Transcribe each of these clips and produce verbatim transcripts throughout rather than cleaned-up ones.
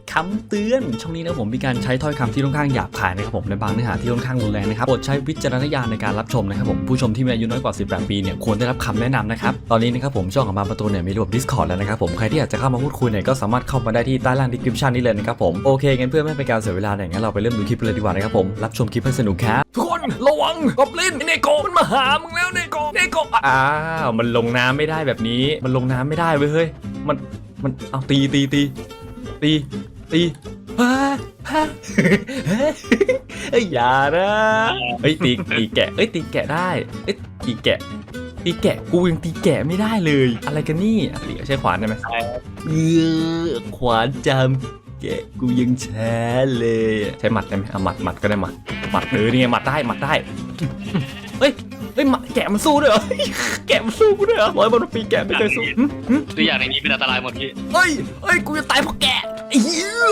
คำเตือนช่องนี้นะผมมีการใช้ถ้อยคำที่ค่อนข้างหยาบคายนะครับผมในบางเนื้อหาที่ค่อนข้างรุนแรงนะครับโปรดใช้วิจารณญาณในการรับชมนะครับผมผู้ชมที่มีอายุน้อยกว่าสิบแปดปีเนี่ยควรได้รับคำแนะนำนะครับตอนนี้นะครับผมช่องของบางประตูเนี่ยมีระบบ Discord แล้วนะครับผมใครที่อยากจะเข้ามาพูดคุยเนี่ยก็สามารถเข้ามาได้ที่ใต้ล่าง description นี้เลยนะครับผมโอเคงั้นเพื่อไม่ให้เป็นการเสียเวลาเนี่ยงั้นเราไปเริ่มดูคลิปเลยดีกว่านะครับผมรับชมคลิปให้สนุกครับทุกคนระวังกอบลินเนโกมันมาหามึงแล้วเนโกเนโกอ้าวมันลงน้ำไม่ได้แบบนี้มันลงน้ำไม่ได้เว้ยเฮ้ยมันมันเอาตีตีตีตีตีฮ่าฮ่าเฮ้ยอย่านะเฮ้ยตีตีแกะเอ้ยตีแกะได้เอ้ยตีแกะตีแกะกูยังตีแกะไม่ได้เลยอะไรกันนี่ตีใช้ขวานได้ไหมเออขวานจำแกะกูยังแช้เลยใช้หมัดได้ไหมเอาหมัดหมัดก็ได้หมัดหมัดเออนี่ไงหมัดได้หมัดได้เฮ้ยเฮ้ยแกะมันสู้ด้วยเหรอแกะมันสู้กูด้วยเหรอร้อยบนปีแกะไม่เคยสู้ตัวอย่างในนี้เป็นอันตรายหมดพี่เฮ้ยเฮ้ยกูจะตายเพราะแกะไอ้เหี้ย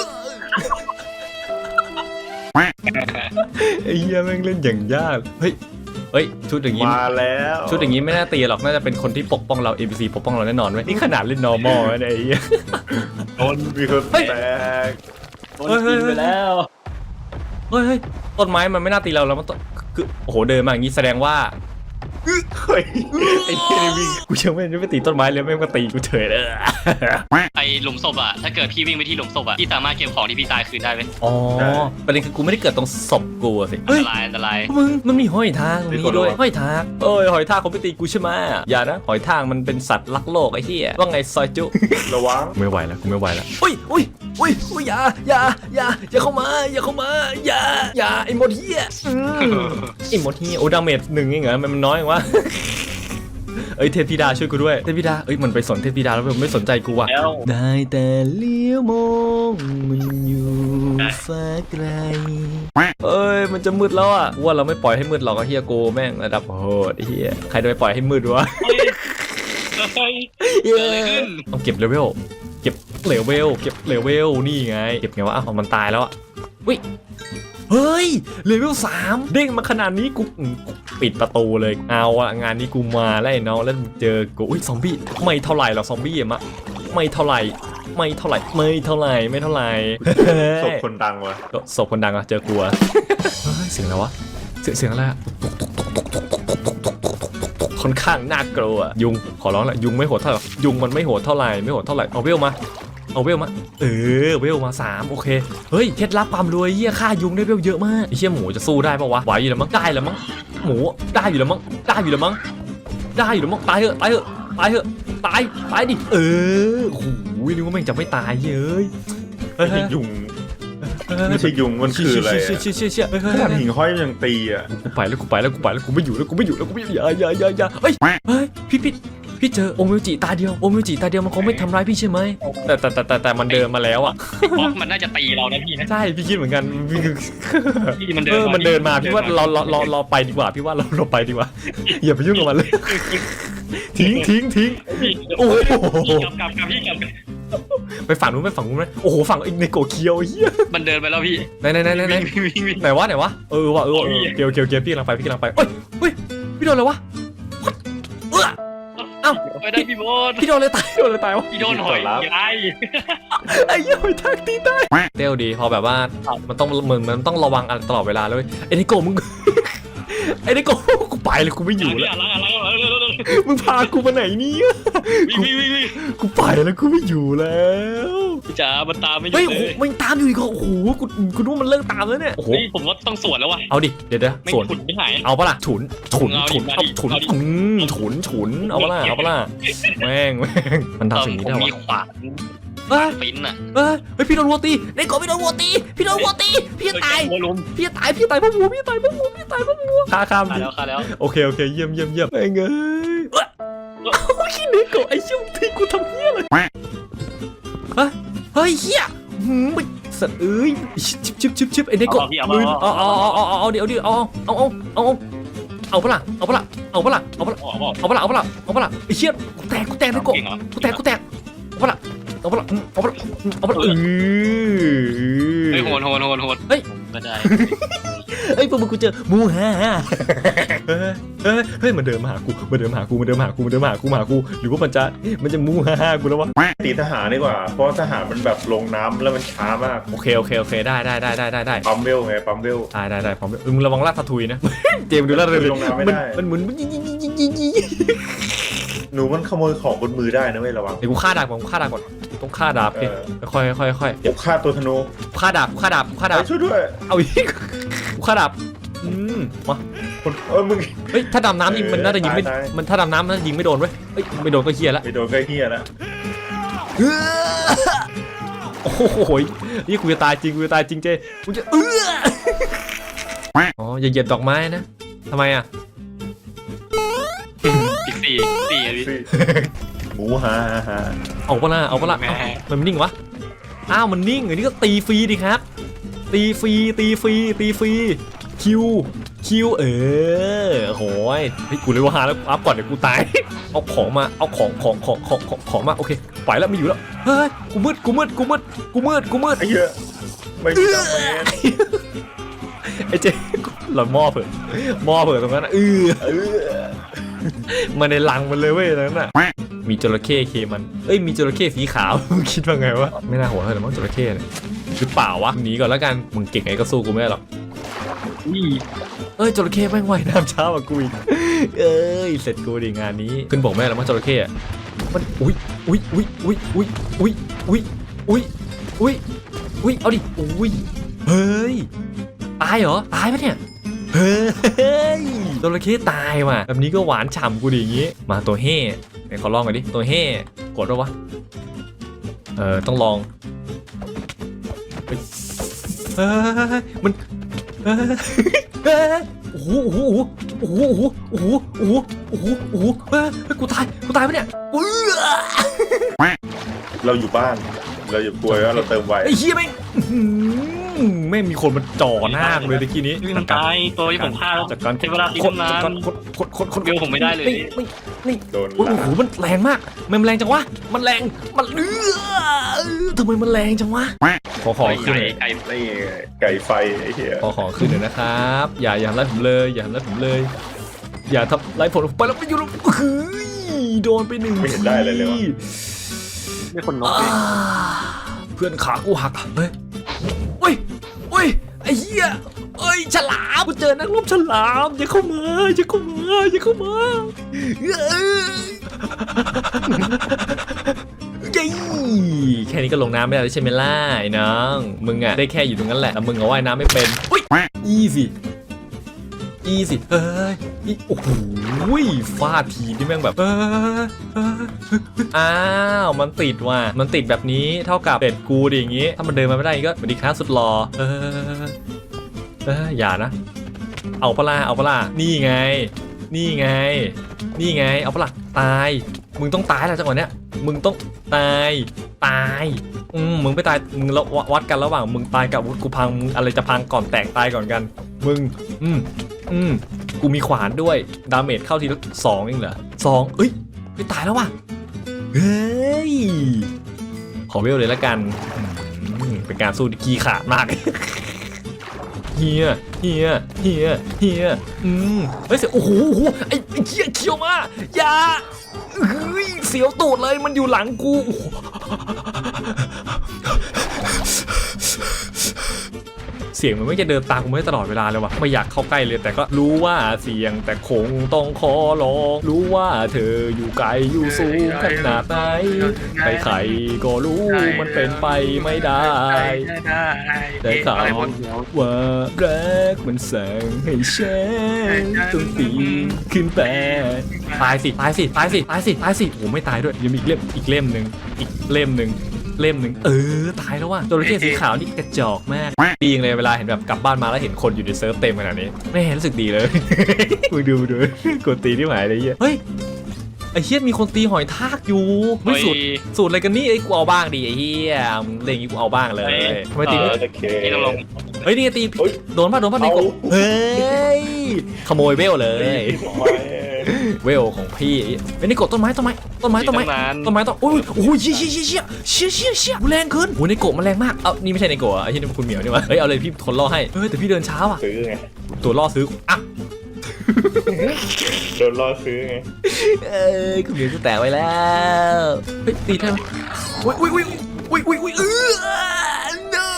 ไอ้เหี้ยแม่งเล่นอย่างยากเฮ้ยเฮ้ยชุดอย่างนี้มาแล้วชุดอย่างนี้ไม่น่าตีหรอกน่าจะเป็นคนที่ปกป้องเรา เอ็น พี ซี ปกป้องเราแน่นอนเว้ยนี่ขนาดเล่น normal นะไอ้เหี้ยโดนมีคนแตกโดนกินไปแล้วเฮ้ยเฮ้ยต้นไม้มันไม่น่าตีเราแล้วมันต้นคือโอ้โหเดินมาอย่างนี้แสดงว่าเฮ้ยไอ้เหี้ยวิ่งกูยังไม่ได้ไปตีต้นไม้เลยแม่งมาตีกูเฉยเลยไอหลุมศพอะถ้าเกิดพี่วิ่งไปที่หลุมศพอะพี่สามารถเก็บของที่พี่ตายคืนได้ไหมอ๋อประเด็นคือกูไม่ได้เกิดตรงศพกูสิอันตรายอันตรายมึงมันมีหอยทากตรงนี้ด้วยหอยทากเอ้ยหอยทากเขาไปตีกูใช่ไหมอย่านะหอยทากมันเป็นสัตว์รักโลกไอ้เหี้ยว่าไงซอยจุระวังไม่ไหวแล้วกูไม่ไหวแล้วอุ้ยอุ้ยอุ้ยอุ้ยอย่าอย่าอย่าอย่าเข้ามาอย่าเข้ามาอย่าอย่าไอ้หมดเหี้ยไอ้หมดเหี้ยโอ้ดาเมจหนึ่งเองเหรอมันน้อยว่าเอ้ยเทพธิดาช่วยกูด้วยเทพธิดาเอ้ยมันไปสนเทพธิดาแล้วมันไม่สนใจกูว่ะได้แต่เลี้ยวมองมันอยู่ฟ้าไกลเอ้ยมันจะมืดแล้วอ่ะว่าเราไม่ปล่อยให้มืดหรอกเฮียโกแม่งระดับโหดเฮียใครจะไปปล่อยให้มืดวะต้องเก็บเลเวลเก็บเลเวลเก็บเลเวลนี่ไงเก็บไงวะอ้าวมันตายแล้วอ่ะวิเฮ้ยเลเวลสามเด้งมาขนาดนี้กูปิดประตูเลยเอาอะงานนี้กูมาแล้วไอ้น้องแล้วเจอกูอุ้ยซอมบี้ไม่เท่าไหร่หรอกซอมบี้อะมะไม่เท่าไหร่ไม่เท่าไหร่ไม่เท่าไหร่ไม่เท่าไหร่ศพคนดังวะศพคนดังอะเจอกูอะเสียงอะไรวะเสียงเสียงอะไรอะค่อนข้างน่ากลัวยุงขอร้องละยุงไม่โหดเท่าไหร่ยุงมันไม่โหดเท่าไหร่ไม่โหดเท่าไหร่เอาเวลมาเอาเวลมาเออเวลมาสามโอเคเฮ้ยเคล็ดลับความรวยเหี้ยฆ่ายุงได้เวลเยอะมากไอ้เหี้ยหมูจะสู้ได้ปะวะไหวอยู่แล้วมั้งได้แล้วมั้งหมูได้อยู่แล้วมั้งได้อยู่แล้วมั้งได้อยู่แล้วมั้งตายเหอะตายเหอะตายเหอะตายตายดิเออโอ้โหนึกว่าแม่งจะไม่ตายเย้ยไม่ใช่ยุงไม่ใช่ยุงมันคืออะไรเชี่ยเชี่ยเชี่ยเชี่ยขนาดหิ่งห้อยยังตีอ่ะกูไปแล้วกูไปแล้วกูไปแล้วกูไม่อยู่แล้วกูไม่อยู่แล้วกูไม่อย่าอย่าอย่าอย่าเฮ้ยเฮ้ยพี่พี่พี่เจอโอมิวจิตาเดียวโอมิวจิตาเดียวมันคงไม่ทำร้ายพี่ใช่ไหมแต่แต่แต่แต่แต่มันเดินมาแล้วอ่ะมันน่าจะตีเรานะพี่นะใช่พี่คิดเหมือนกันพี่มันเดินมันเดินมาพี่ว่าเราเราเราเราไปดีกว่าพี่ว่าเราเราไปดีกว่าอย่าไปยุ่งกับมันเลยทิ้งทิ้งทิ้งโอ้โหกลับกลับกลับพี่กลับไปฝั่งนู้นไปฝั่งนู้นไหมโอ้โหฝั่งไอ้ในโกเคียวเฮียมันเดินไปแล้วพี่ไหนไหนไหนไหนไหนวะไหนวะเออวะเออเกียวเกียวเกียวพี่กำลังไปพี่กำลังไปเฮ้ยเฮ้ยพี่โดนอะไรวะเอออ้าวไปได้พี่โบนพี่โดนเลยตายโดนเลยตายวะพี่โดนหอยยัยไอ้หอยทากตีตายเต้าดีพอแบบว่ามันต้องเหมือนมันต้องระวังอะไรตลอดเวลาเลยไอ้ในโกมึงไอ้ในโกกูไปเลยกูไม่อยู่แล้วมึงพากูมาไหนเนี่ยกูไปแล้วกูไม่อยู่แล้วจ๋ามันตามไม่อยู่เลยมันตามอยู่อีกโอ้โหกูกูรู้มันเลิกตามแล้วเนี่ยโอ้โหผมว่าต้องสวนแล้ววะเอาดิเดี๋ยวเดี๋ยวสวนไม่หายเอาปะล่ะฉุนฉุนฉุนเอาฉุนฉุนฉุนเอาปะล่ะเอาปะล่ะแม่งแม่งมันทำสิ่งนี้ได้วะมีขวานเฮ้ยปิ้นอ่ะเฮ้ยเฮ้ยพี่โดนวัวตีในโกพี่โดนวัวตีพี่โดนวัวตีพี่ตายพี่ตายพี่ตายเพราะวัวพี่ตายเพราะวัวพี่ตายเพราะวัวฆ่าข้ามดิแล้วฆ่าแล้วโอเคโอเคเยี่ยมเยี่ยมเยี่ยมไอ้เงยขี้เด็กไอ้ชิวที่กูทำเหี้ยเลยเฮ้ยเฮ้ยเหี้ยหืมไปสัตว์เอ้ยชิบชิบชิบชิบไอ้เด็กก็มือเอาเอาเอาเอาเอาเดี๋ยวเดี๋ยวเอาเอาเอาเอาเอาปะล่ะเอาปะล่ะเอาปะล่ะเอาปะล่ะเอาปะล่ะเอาปะล่ะเอาปะล่ะไอ้เชี่ยกูแตกกูแตกไอ้โกกูแตกกูแตกเอาปะล่ะเอาปะล่ะเอาปะล่ะเอาปะล่ะเออเฮ้ยโหดโหดโหดโหดเฮ้ยก็ได้เอ้ยพวกมึงกูเจอมูฮ่าเฮ้ยเฮ้ยเฮ้ยมันเดินมาหากูมันเดินมาหากูมันเดินมาหากูมันเดินมาหากูมาหากูหรือว่ามันจะมันจะมูฮ่ากูแล้ววะตีทหารดีกว่า เพราะทหารมันแบบลงน้ำแล้วมันช้ามากโอเคโอเคโอเคได้ได้ได้ได้ได้ได้ปั๊มเวลไงปั๊มเวลได้ได้ได้พร้อมมึงระวังลาดพะทุยนะ เจมส์ดูลาดเลยลงน้ำไม่ได้มันหมุนหนูมันขโมยของบนมือได้นะเว้ยระวังเดี๋ยวกูฆ่าดาบก่อนกูฆ่าดาบก่อนต้องฆ่าดาบดิค่อยค่อยค่อยเก็บฆ่าตัวธนูฆ่าดาบฆ่าดาบฆ่าดาบเฮ้ยช่วยด้วยเอาอีกกูฆ่าดาบอืมมาเออมึงเฮ้ยถ้าดำน้ำยิงมันน่าจะยิงไม่ตายตายมันถ้าดำน้ำมันยิงไม่โดนเว้ยเฮ้ยไม่โดนก็เฮียละไปโดนใกล้เฮียแล้วโอ้โหนี่กูจะตายจริงกูจะตายจริงเจกูจะเอออ๋ออย่าเหยียบดอกไม้นะทำไมอ่ะอีกสี่สี่อะพี่หมูฮ่าฮ่าเอาปะล่ะเอาปะล่ะแม่เอ้ามันนิ่งวะอ้าวมันนิ่งอันนี้ก็ตีฟรีดิครับตีฟรีตีฟรีตีฟรีคิวคิวเออโหยเฮ้ยกูเลยว่าหาแล้วอัพก่อนเดี๋ยวกูตายเอาของมาเอาของของของของของของมาโอเคไปแล้วไม่อยู่แล้วเฮ้ยกูมืดกูมืดกูมืดกูมืดกูมืดไอ้เหี้ยไม่มีดาเมจไอ้เจ๊เรามอบเถอะมอบเถอะตรงนั้นนะเออเออมันในลังมันเลยเว้ยตรงนั้นน่ะมีจระเข้เคมันเอ้ยมีจระเข้สีขาว คิดว่าไงวะไม่น่าหัวเท่าไหร่มั้งจระเข้เนี่ยหรือเปล่าวะหนีก่อนแล้วกันมึงเก่งไงก็สู้กูไม่ได้หรอกอุ้ยเอ้ยจระเข้แม่งว่ายน้ำช้ากว่ากูอีกเอ้ยเสร็จกูดิงานนี้ขึ้นบอกแม่แล้วมั้งจระเข้อะมันอุ้ยอุ้ยอุ้ยอุ้ยอุ้ยอุ้ยอุ้ยอุ้ยอุ้ยอุ้ยเอาดิอุ้ยเฮ้ยตายเหรอตายปะเนี่ยเฮ้ยจระเข้ตายว่ะแบบนี้ก็หวานฉ่ำกูดิอย่างงี้มาตัวเฮ่ไหนขอลองหน่อยดิตัวเฮ่กดแล้ววะเออต้องลองเฮ้ยเฮ้ยมันเฮ้ยเฮ้ยโอ้โหโอ้โหโอ้โหโอ้โหโอ้โหโอ้โหโอ้โหเฮ้ยกูตายกูตายปะเนี่ยอื้อเราอยู่บ้านเราอย่ากลัวว่าเราเติมไวไอ้เหี้ยแม่งอื้อหือแม่งมีคนมาจ่อหน้ากูเลยตะกี้นี้พี่มันตายตัวที่ผมฆ่าแล้วจากการใช้เวลาตีคนตั้งนานจากการคนคนคนคนเบลผมไม่ได้เลยนี่นี่นี่โดนโอ้โหมันแรงมากมันแรงจังวะมันแรงมันเอื้อทำไมมันแรงจังวะขอขอขึ้นไก่หน่อยไก่นี่ไก่ไฟไอ้เหี้ยขอขอขึ้นหน่อยนะครับ อย่าอย่าทำร้ายผมเลย อย่าทำร้ายผมเลย อย่าทำร้ายผมไปแล้วไปอยู่แล้วเฮ้ยโดนไปหนึ่งไม่เห็นได้เลยเลยวะไม่คนนกอ่าเลยเพื่อนขากูหักเฮ้ยเฮ้ยเฮ้ยไอ้เหี้ยเอ้ยฉลามกูเจอนักรบฉลามอย่าเข้ามาอย่าเข้ามาอย่าเข้ามาเอ้ยเย้แค่นี้ก็ลงน้ำไม่ได้แล้วใช่ไหมล่ะไอ้น้องมึงอะได้แค่อยู่ตรงนั้นแหละแต่มึงเอาว่ายน้ำไม่เป็นอุ้ยอีสิอีสิเฮ้ยอีโอ้โหฟาดทีนี่แม่งแบบเออเอออ้าวมันติดว่ะมันติดแบบนี้เท่ากับเป็ดกูดิอย่างงี้ถ้ามันเดินมาไม่ได้ก็สวัสดีครับสุดหล่อเออเอออย่านะเอาปะล่ะเอาปะล่ะนี่ไง นี่ไง นี่ไงเอาปะล่ะตายมึงต้องตายแล้วจังหวะเนี้ยมึงต้องตายตายอืมมึงไม่ตายมึงแล้ววัดกันระหว่างมึงตายกับอาวุธกูพังมึงอะไรจะพังก่อนแตกตายก่อนกันมึงอืมอืมกูมีขวานด้วยดาเมจเข้าทีละสองเองเหรอสองเอ้ยไม่ตายแล้วว่ะเฮ้ยขอเวลเลยละกันอืมเป็นการสู้ที่ขี้ขาดมาก เฮียเฮียเฮียเฮียอืมเฮ้ยเสียโอ้โหโอ้โหไอ้ไอ้เหี้ยเคี้ยวมาอย่าเฮ้ยเสียวตูดเลยมันอยู่หลังกูโอ้โหเสียงมันไม่จะเดินตามกูไม่ได้ตลอดเวลาเลยว่ะไม่อยากเข้าใกล้เลยแต่ก็รู้ว่าเสียงแต่คงต้องขอร้องรู้ว่าเธออยู่ไกลอยู่สูงขนาดไหนใครๆก็รู้มันเป็นไปไม่ได้ ได้ข่าวว่ารักมันสั่งให้ฉันต้องปีนขึ้นไปตายสิตายสิตายสิตายสิตายสิโอ้ไม่ตายด้วยยังมีอีกเล่มอีกเล่มหนึ่งอีกเล่มหนึ่งเล่มหนึ่งเออตายแล้วว่ะจระเข้สีขาวนี่กระจอกมากดีจังเลยเวลาเห็นแบบกลับบ้านมาแล้วเห็นคนอยู่ในเซิร์ฟเต็มขนาดนี้ไม่เห็นรู้สึกดีเลย มึงดูดูกดตีที่หมายเลยเฮ้ยไอ้เฮียมีคนตีหอยทากอยู่ไม่สูตรสูตรอะไรกันนี่ไอ้กูเอาบ้างดิไอ้เฮียมึงเล่นอย่างนี้กูเอาบ้างเลยทำไมตีไม่โอเคที่ต้องลงเฮ้ยนี่ไงตีเฮ้ยโดนป่ะโดนป่ะในกบเอาเฮ้ยขโมยเบลเลยเวลของพี่เฮ้ยนี่กดต้นไม้ต้นไม้ต้นไม้ต้นไม้ต้นไม้ต้นโอ้ยโอ้ยเชี่ยเชี่ยเชี่ยเชี่ยเชี่ยเชี่ยแรงขึ้นโอ้ยในโกะมันแรงมากเอ้านี่ไม่ใช่ในโกะไอ้ที่นี่มันคุณเหมียวนี่วะเฮ้ยเอาเลยพี่ทนล่อให้เฮ้ยแต่พี่เดินช้าว่ะซื้อไงตัวล่อซื้ออ่ะโดนล่อซื้อไงเอ้ยคุณเหมียวจะแตกไว้แล้วเฮ้ยตีได้ไหมอุ้ยอุ้ยอุ้ยอุ้ยอุ้ยอุ้ยเออ no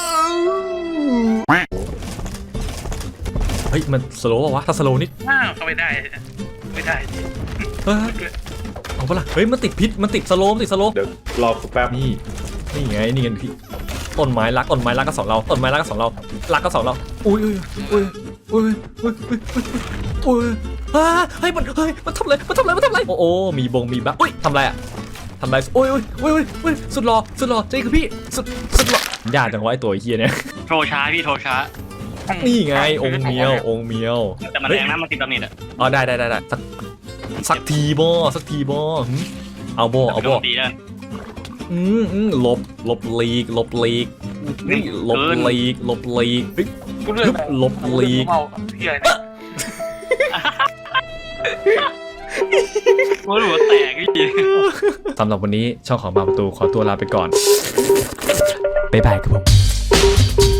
เฮ้ยมันสโลว์ป่าวะถ้าสโลว์นิดอ้าวเข้าไม่ได้ไม่ได้เฮ้ยเอาปะล่ะเฮ้ยมันติดพิษมันติดสโลว์มันติดสโลว์เดี๋ยวรอแป๊บนี่นี่ไงนี่ไงพี่ต้นไม้รักต้นไม้รักก็สองเราต้นไม้รักก็สองเรารักก็สองเราอุ้ยอุ้ยอุ้ยอุ้ยอุ้ยอุ้ยอุ้ยอ่าเฮ้ยมันเฮ้ยมันทำอะไรมันทำอะไรมันทำอะไรโอ้โอ้มีบงมีบั๊กอุ้ยทำอะไรอะทำอะไรอุ้ยอุ้ยอุ้ยอุ้ยสุดหล่อสุดหล่อใจคือพี่สุดสุดหล่อยากจังวะไอตัวเฮียเนี่ยโทรช้าพี่โทรช้านี่ไงองค์เมียวองค์เมียวแต่มันแรงนะมันติดตำหนิอ่ะอ๋อได้ได้ได้ได้สักสักทีบอสักทีบอเอาบอเอาบอดีแล้วอืมอืมหลบหลบลีกหลบลีกนี่หลบลีกหลบลีกเฮ้ยกูเลือกหลบลีกเมาเฮียเนี่ยหัวหัวแตกพี่สำหรับวันนี้ช่องของบางประตูขอตัวลาไปก่อนบ๊ายบายครับผม